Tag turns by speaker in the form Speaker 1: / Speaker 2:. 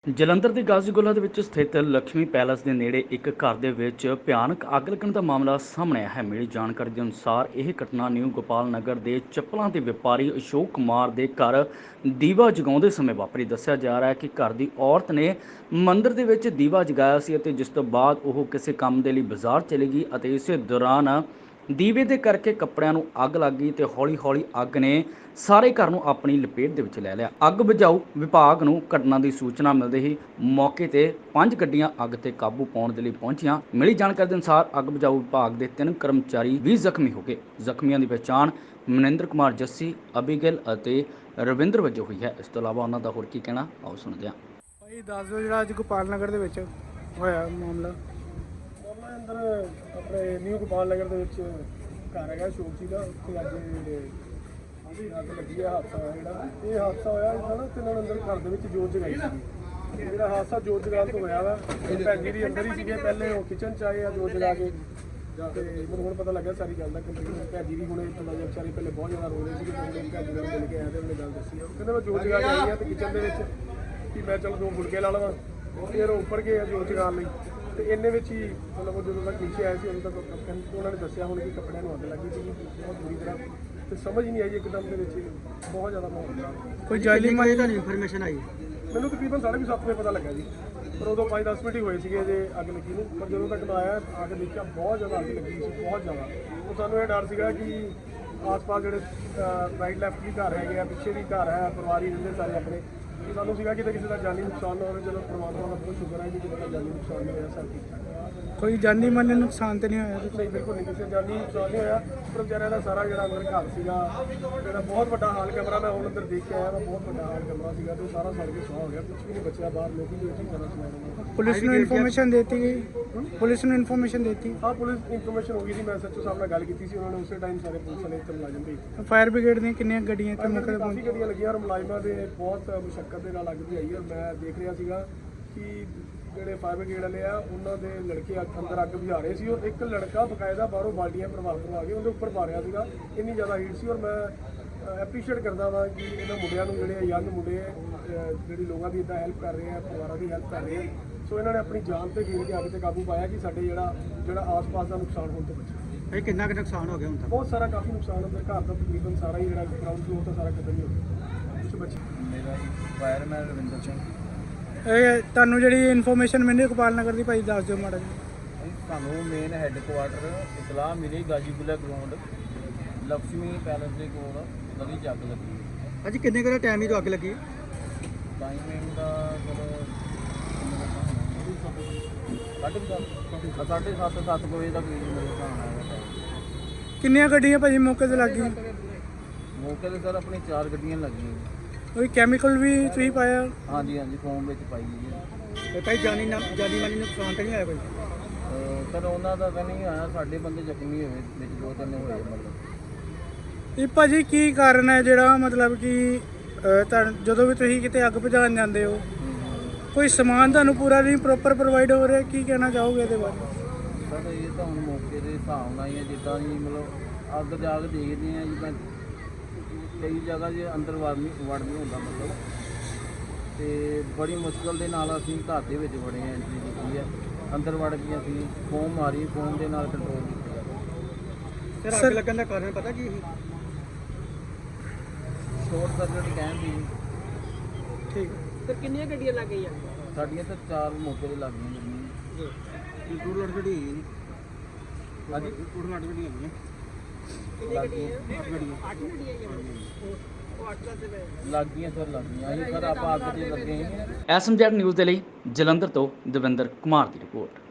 Speaker 1: ਜਲੰਧਰ ਦੇ ਗਾਜ਼ੀਗੁਲਾ ਦੇ ਵਿੱਚ ਸਥਿਤ ਲక్ష్ਮੀ ਪੈਲੇਸ ਦੇ ਨੇੜੇ ਇੱਕ ਘਰ ਦੇ ਵਿੱਚ ਭਿਆਨਕ ਅੱਗ ਲੱਗਣ ਦਾ ਮਾਮਲਾ ਸਾਹਮਣੇ ਆਇਆ ਹੈ। ਮਿਲੀ ਜਾਣਕਾਰੀ ਦੇ ਅਨੁਸਾਰ ਇਹ ਘਟਨਾ ਨਿਊ ਗੋਪਾਲ ਨਗਰ ਦੇ ਚੱਪਲਾਂ ਦੇ ਵਪਾਰੀ ਅਸ਼ੋਕ ਕੁਮਾਰ ਦੇ ਘਰ ਦੀਵਾ ਜਗਾਉਂਦੇ ਸਮੇਂ ਵਾਪਰੀ। ਦੱਸਿਆ ਜਾ ਰਿਹਾ ਹੈ ਕਿ ਘਰ ਦੀ ਔਰਤ ਨੇ ਮੰਦਿਰ ਦੇ ਵਿੱਚ ਦੀਵਾ ਜਗਾਇਆ ਸੀ ਅਤੇ ਜਿਸ ਤੋਂ ਬਾਅਦ ਉਹ ਕਿਸੇ ਕੰਮ ਦੇ ਲਈ ਬਾਜ਼ਾਰ ਚਲੀ ਗਈ ਅਤੇ ਇਸੇ ਦੌਰਾਨ ਦੀਵੇ ਦੇ ਕਰਕੇ ਕੱਪੜਿਆਂ ਨੂੰ ਅੱਗ ਲੱਗ ਗਈ ਤੇ ਹੌਲੀ-ਹੌਲੀ ਅੱਗ ਨੇ ਸਾਰੇ ਘਰ ਨੂੰ ਆਪਣੀ ਲਪੇਟ ਦੇ ਵਿੱਚ ਲੈ ਲਿਆ। ਅੱਗ ਬੁਝਾਊ ਵਿਭਾਗ ਨੂੰ ਘਟਨਾ ਦੀ ਸੂਚਨਾ ਮਿਲਦੇ ਹੀ ਮੌਕੇ ਤੇ 5 ਗੱਡੀਆਂ ਅੱਗ ਤੇ ਕਾਬੂ ਪਾਉਣ ਦੇ ਲਈ ਪਹੁੰਚੀਆਂ। ਮਿਲੀ ਜਾਣਕਾਰੀ ਦੇ ਅਨੁਸਾਰ ਅੱਗ ਬੁਝਾਊ ਵਿਭਾਗ ਦੇ 3 ਕਰਮਚਾਰੀ ਵੀ ਜ਼ਖਮੀ ਹੋ ਗਏ। ਜ਼ਖਮੀਆਂ ਦੀ ਪਛਾਣ ਮਨਿੰਦਰ ਕੁਮਾਰ ਜੱਸੀ, ਅਬੀਗਿਲ ਅਤੇ ਰਵਿੰਦਰ ਵਜੋਂ ਹੋਈ ਹੈ। ਇਸ ਤੋਂ ਇਲਾਵਾ ਉਹਨਾਂ ਦਾ ਹੋਰ ਕੀ ਕਹਿਣਾ, ਆਓ ਸੁਣਦੇ ਹਾਂ।
Speaker 2: ਭਾਈ ਦੱਸ ਦਿਓ ਜਿਹੜਾ ਅੱਜ ਗੋਪਾਲ ਨਗਰ ਦੇ ਵਿੱਚ ਹੋਇਆ ਮਾਮਲਾ।
Speaker 3: ਅੰਦਰ ਆਪਣੇ ਨਿਊ ਗੋਪਾਲ ਨਗਰ ਦੇ ਵਿੱਚ ਘਰ ਹੈਗਾ ਅਸ਼ੋਕ ਜੀ ਦਾ, ਉੱਥੇ ਅੱਜ ਅੱਗ ਲੱਗੀ ਹੈ। ਹਾਦਸਾ ਹੋਇਆ ਜਿਹੜਾ ਇਹ ਹਾਦਸਾ ਹੋਇਆ ਇਹਨਾਂ ਨੇ ਤਿੰਨਾਂ ਨੇ ਅੰਦਰ ਘਰ ਦੇ ਵਿੱਚ ਜੋਤ ਜਗਾਈ ਸੀ। ਜਿਹੜਾ ਹਾਦਸਾ ਜੋਤ ਜਗਾਉਣ ਤੋਂ ਹੋਇਆ ਵਾ, ਭੈਣ ਜੀ ਦੀ ਅੰਦਰ ਹੀ ਸੀਗੇ ਪਹਿਲੇ, ਉਹ ਕਿਚਨ 'ਚ ਆਏ ਆ ਜੋਤ ਜਗਾ ਕੇ। ਤੇ ਮੈਨੂੰ ਹੁਣ ਪਤਾ ਲੱਗਾ ਸਾਰੀ ਗੱਲ ਦਾ ਕਿ ਭੈਣ ਜੀ ਵੀ ਹੁਣੇ ਵਿਚਾਰੀ ਪਹਿਲੇ ਬਹੁਤ ਜ਼ਿਆਦਾ ਰੋ ਰਹੇ ਸੀ। ਭੈਣ ਜੀ ਨਾਲ ਮਿਲ ਕੇ ਆਇਆ ਤੇ ਉਹਨੇ ਗੱਲ ਦੱਸੀ। ਉਹ ਕਹਿੰਦੇ ਮੈਂ ਜੋਤ ਜਗਾ ਕੇ ਆਈ ਹਾਂ ਤੇ ਕਿਚਨ ਦੇ ਵਿੱਚ ਕਿ ਮੈਂ ਚਲੋ 2 ਫੁਲਕੇ ਲਾ ਲਵਾਂ। ਫਿਰ ਉੱਪਰ ਗਏ ਜੋਤ ਜਗਾਉਣ ਲਈ ਤੇ ਇੰਨੇ ਵਿੱਚ ਹੀ ਮਤਲਬ ਉਹ ਜਦੋਂ ਤੱਕ ਨੀਚੇ ਆਏ ਸੀ ਉਦੋਂ ਤੱਕ ਉਹਨਾਂ ਨੇ ਦੱਸਿਆ ਹੁਣ ਕਿ ਕੱਪੜਿਆਂ ਨੂੰ ਅੱਗ ਲੱਗੀ ਸੀ ਬਹੁਤ ਬੁਰੀ ਤਰ੍ਹਾਂ, ਤੇ ਸਮਝ ਹੀ ਨਹੀਂ ਆਈ ਇੱਕਦਮ ਦੇ ਵਿੱਚ ਬਹੁਤ ਜ਼ਿਆਦਾ ਮਾਹੌਲ ਖਰਾਬ।
Speaker 2: ਕੋਈ ਜਾਇਲੀ ਮਾਈ ਦਾ ਇਨਫੋਰਮੇਸ਼ਨ ਆਈ?
Speaker 3: ਮੈਨੂੰ ਤਕਰੀਬਨ 7:30 ਵਜੇ ਪਤਾ ਲੱਗਾ ਜੀ, ਪਰ ਉਦੋਂ 5-10 ਮਿੰਟ ਹੀ ਹੋਏ ਸੀਗੇ ਜੇ ਅੱਗ ਲੱਗੀ ਨੂੰ। ਪਰ ਜਦੋਂ ਤੱਕ ਮੈਂ ਆਇਆ ਆ ਕੇ ਦੇਖਿਆ ਬਹੁਤ ਜ਼ਿਆਦਾ ਅੱਗ ਲੱਗੀ ਸੀ, ਬਹੁਤ ਜ਼ਿਆਦਾ। ਉਹ ਸਾਨੂੰ ਇਹ ਡਰ ਸੀਗਾ ਕਿ ਆਸ-ਪਾਸ ਜਿਹੜੇ ਰਾਈਟ ਲੈਫਟ ਵੀ ਘਰ ਹੈਗੇ ਆ, ਪਿੱਛੇ ਵੀ ਘਰ ਹੈ, ਪਰਿਵਾਰੀ ਰਹਿੰਦੇ ਸਾਰੇ ਆਪਣੇ। ਸਾਨੂੰ ਸੀਗਾ ਕਿ ਕਿਸੇ ਦਾ ਜਾਨੀ ਨੁਕਸਾਨ ਨਾ ਹੋਵੇ। ਚਲੋ ਪਰਮਾਤਮਾ ਦਾ ਬਹੁਤ ਸ਼ੁਕਰ ਹੈ ਕਿ ਕਿਸੇ ਦਾ ਜਾਨੀ ਨੁਕਸਾਨ ਨਹੀਂ ਹੋਇਆ, ਸਭ ਠੀਕ ਠਾਕ।
Speaker 2: ਕੋਈ ਜਾਨੀ ਮਾਲੀ ਨੁਕਸਾਨ ਤੇ ਨਹੀਂ ਹੋਇਆ?
Speaker 3: ਨਹੀਂ, ਬਿਲਕੁਲ ਨਹੀਂ, ਕਿਸੇ ਜਾਨੀ ਨੁਕਸਾਨ ਨਹੀਂ ਹੋਇਆ। ਪਰ ਵਿਚਾਰਿਆਂ ਦਾ ਸਾਰਾ ਜਿਹੜਾ ਅੰਦਰ ਘਰ ਸੀਗਾ, ਜਿਹੜਾ ਬਹੁਤ ਵੱਡਾ ਹਾਲ ਕਮਰਾ, ਮੈਂ ਹੁਣ ਅੰਦਰ ਦੇਖ ਕੇ ਆਇਆ ਵਾ, ਬਹੁਤ ਵੱਡਾ ਹਾਲ ਕਮਰਾ ਸੀਗਾ ਤੇ ਸਾਰਾ ਸੜ ਕੇ ਸੁਆਹ ਹੋ ਗਿਆ। ਕੁਝ ਵੀ ਨਹੀਂ ਬਚਿਆ ਬਾਹਰ, ਲੋਕ ਵੀ ਉੱਥੇ ਖਾਣਾ ਸੁਣਾ ਰਹੇ।
Speaker 2: ਪੁਲਿਸ ਨੂੰ ਇਨਫੋਰਮੇਸ਼ਨ ਦਿੱਤੀ ਗਈ? ਪੁਲਿਸ ਨੂੰ ਇਨਫੋਰਮੇਸ਼ਨ ਦਿੱਤੀ?
Speaker 3: ਹਾਂ, ਪੁਲਿਸ ਇਨਫੋਰਮੇਸ਼ਨ ਹੋ ਗਈ ਸੀ। ਮੈਂ ਐਸਐਚਓ ਸਾਹਿਬ ਨਾਲ ਗੱਲ ਕੀਤੀ ਸੀ, ਉਹਨਾਂ ਨੇ ਉਸੇ ਟਾਈਮ ਸਾਰੇ ਪੁਲਿਸ ਵਾਲੇ ਇੱਥੇ ਮੁਲਾਜ਼ਮ ਭੇਜੇ।
Speaker 2: ਫਾਇਰ ਬ੍ਰਿਗੇਡ ਦੀਆਂ ਕਿੰਨੀਆਂ ਗੱਡੀਆਂ ਇੱਥੇ ਮੌਕੇ ਤੇ
Speaker 3: ਕਾਫੀ
Speaker 2: ਪਹੁੰਚੀਆਂ?
Speaker 3: ਗੱਡੀਆਂ ਲੱਗੀਆਂ ਔਰ ਮੁਲਾਜ਼ਮਾਂ ਦੇ ਬਹੁਤ ਮੁਸ਼ੱਕਤ ਦੇ ਨਾਲ ਅੱਗ ਬੁਝਾਈ। ਔਰ ਮੈਂ ਦੇਖ ਰਿਹਾ ਸੀਗਾ ਕਿ ਜਿਹੜੇ ਫਾਇਰ ਬ੍ਰਿਗੇਡ ਵਾਲੇ ਆ ਉਹਨਾਂ ਦੇ ਲੜਕੇ ਅੰਦਰ ਅੱਗ ਬੁਝਾ ਰਹੇ ਸੀ ਔਰ ਇੱਕ ਲੜਕਾ ਬਕਾਇਦਾ ਬਾਹਰੋਂ ਬਾਲਟੀਆਂ ਭਰਵਾ ਕੇ ਉਹਦੇ ਉੱਪਰ ਪਾ ਰਿਹਾ ਸੀਗਾ। ਇੰਨੀ ਜ਼ਿਆਦਾ ਹੀਟ ਸੀ। ਔਰ ਮੈਂ ਐਪਰੀਸ਼ੀਏਟ ਕਰਦਾ ਵਾਂ ਕਿ ਇਹਨਾਂ ਮੁੰਡਿਆਂ ਨੂੰ, ਜਿਹੜੇ ਯੰਗ ਮੁੰਡੇ ਜਿਹੜੀ ਲੋਕਾਂ ਦੀ ਇੱਦਾਂ ਹੈਲਪ ਕਰ ਰਹੇ ਆ, ਪਰਿਵਾਰਾਂ ਦੀ ਹੈਲਪ ਕਰ ਰਹੇ ਆ। ਸੋ ਇਹਨਾਂ ਨੇ ਆਪਣੀ ਜਾਨ ਤੇ ਖੇਡ ਕੇ ਅੱਗ ਤੇ ਕਾਬੂ ਪਾਇਆ ਕਿ ਸਾਡੇ ਜਿਹੜਾ ਆਸ-ਪਾਸ ਦਾ ਨੁਕਸਾਨ ਹੋਣ ਤੋਂ ਬਚੇ।
Speaker 2: ਇਹ ਕਿੰਨਾ ਕੁ ਨੁਕਸਾਨ ਹੋ ਗਿਆ ਹੁਣ ਤੱਕ?
Speaker 3: ਬਹੁਤ ਸਾਰਾ, ਕਾਫੀ ਨੁਕਸਾਨ ਅੰਦਰ ਘਰ ਦਾ ਤਕਰੀਬਨ ਸਾਰਾ ਹੀ ਜਿਹੜਾ ਗਰਾਊਂਡ ਫਲੋਰ ਦਾ ਸਾਰਾ ਖਤਮ ਹੀ ਹੋ ਗਿਆ। ਕੁਛ ਬਚੇ।
Speaker 4: ਮੇਰਾ ਫਾਇਰਮੈਨ ਰਵਿੰਦਰ ਸਿੰਘ।
Speaker 2: ਇਹ ਤੁਹਾਨੂੰ ਜਿਹੜੀ ਇਨਫੋਰਮੇਸ਼ਨ ਮਿਲੀ ਗੋਪਾਲ ਨਗਰ ਦੀ, ਭਾਈ ਦੱਸ ਦਿਓ ਮਾੜਾ ਜੀ।
Speaker 4: ਸਾਨੂੰ ਮੇਨ ਹੈੱਡਕੁਆਟਰ ਇਤਲਾਹ ਮਿਲੀ ਗਾਜੀਪੁਰਾ ਗਰਾਊਂਡ ਲక్ష్ਮੀ ਪੈਲੇਸ ਦੇ ਕੋਲ ਨਦੀ 'ਚ ਅੱਗ ਲੱਗੀ।
Speaker 2: ਅੱਜ ਕਿੰਨੇ ਕੁ ਦਾ ਟਾਈਮ ਹੀ ਤੋਂ ਅੱਗ ਲੱਗੀ?
Speaker 4: ਟਾਈਮਿੰਗ ਦਾ ਸਰ 7:30 ਵਜੇ ਤੱਕ ਮੇਰੇ ਹਿਸਾਬ ਨਾਲ।
Speaker 2: ਕਿੰਨੀਆਂ ਗੱਡੀਆਂ ਭਾਜੀ ਮੌਕੇ ਤੇ ਲੱਗ ਗਈਆਂ?
Speaker 4: ਮੌਕੇ 'ਤੇ ਸਰ ਆਪਣੀ 4 ਗੱਡੀਆਂ ਲੱਗੀਆਂ।
Speaker 2: ਕੋਈ ਕੈਮੀਕਲ ਵੀ ਤੁਸੀਂ ਪਾਇਆ?
Speaker 4: ਹਾਂਜੀ, ਫੋਮ ਵਿੱਚ ਪਾਈ ਜੀ।
Speaker 2: ਭਾਈ ਜਾਨੀ ਮਾਲੀ ਨੁਕਸਾਨ ਤਾਂ ਨਹੀਂ ਆਇਆ ਕੋਈ?
Speaker 4: ਸਰ ਉਹਨਾਂ ਦਾ ਤਾਂ ਨਹੀਂ ਆਇਆ, ਸਾਡੇ ਬੰਦੇ ਜ਼ਖਮੀ ਹੋਏ ਵਿੱਚ 2-3 ਹੋਏ ਮਤਲਬ।
Speaker 2: ਇਹ ਭਾਜੀ ਕੀ ਕਾਰਨ ਹੈ ਜਿਹੜਾ ਮਤਲਬ ਕਿ ਜਦੋਂ ਵੀ ਤੁਸੀਂ ਕਿਤੇ ਅੱਗ ਬੁਝਾਉਣ ਜਾਂਦੇ ਹੋ ਕੋਈ ਸਮਾਨ ਤੁਹਾਨੂੰ ਪੂਰਾ ਨਹੀਂ ਪ੍ਰੋਪਰ ਪ੍ਰੋਵਾਈਡ ਹੋ ਰਿਹਾ? ਕੀ ਕਹਿਣਾ ਚਾਹੋਗੇ ਇਹਦੇ ਬਾਰੇ?
Speaker 4: ਸਰ ਇਹ ਤਾਂ ਹੁਣ ਮੌਕੇ ਦੇ ਹਿਸਾਬ ਨਾਲ ਹੀ ਹੈ, ਜਿੱਦਾਂ ਜੀ ਮਤਲਬ ਅੱਗ ਜਾ ਕੇ ਦੇਖਦੇ ਹਾਂ ਜਿੱਦਾਂ ਕਈ ਜਗ੍ਹਾ 'ਚ ਅੰਦਰ ਵੜ ਨਹੀਂ ਹੁੰਦਾ ਮਤਲਬ, ਅਤੇ ਬੜੀ ਮੁਸ਼ਕਿਲ ਦੇ ਨਾਲ ਅਸੀਂ ਘਰ ਦੇ ਵਿੱਚ ਵੜੇ ਹਾਂ, ਐਂਟਰੀ ਕੀਤੀ ਹੈ। ਅੰਦਰ ਵੜ ਕੇ ਅਸੀਂ ਫੋਮ ਮਾਰੀ, ਫੋਮ ਦੇ ਨਾਲ ਕੰਟਰੋਲ ਕੀਤਾ।
Speaker 2: ਸਰ ਅੱਗ ਲੱਗਣ ਦਾ ਕਾਰਨ ਪਤਾ ਕੀ ਸੀ?
Speaker 4: ਸ਼ੋਰਟ ਸਰਕਟ ਕਹਿੰਦੇ ਜੀ।
Speaker 2: ਠੀਕ।
Speaker 5: ਸਰ ਕਿੰਨੀਆਂ ਗੱਡੀਆਂ ਲੱਗ ਗਈਆਂ?
Speaker 4: ਸਾਡੀਆਂ ਤਾਂ 4 ਮੌਕੇ 'ਤੇ ਲੱਗ ਗਈਆਂ ਗੱਡੀਆਂ।
Speaker 2: ਟੂਰ ਲੜ ਗੱਡੀ ਹੈਗੀ?
Speaker 4: ਹਾਂਜੀ,
Speaker 2: ਟੂਰ ਲੜ ਗੱਡੀ ਹੈਗੀ?
Speaker 5: ਕਿੰਨੀਆਂ ਗੱਡੀਆਂ?
Speaker 2: 8 ਗੱਡੀਆਂ।
Speaker 5: 8 ਗੱਡੀਆਂ ਆਈਆਂ। ਉਹ 8 ਦਾ
Speaker 4: ਲੱਗ ਗਈਆਂ ਸਰ, ਲੱਗ ਗਈਆਂ। ਅਸੀਂ ਸਰ ਆਪਾਂ ਅੱਗ 'ਤੇ ਲੱਗੇ ਹਾਂ।
Speaker 1: ਐਸਐਮਜੈਡ ਨਿਊਜ਼ ਦੇ ਲਈ ਜਲੰਧਰ ਤੋਂ ਦਵਿੰਦਰ ਕੁਮਾਰ ਦੀ ਰਿਪੋਰਟ।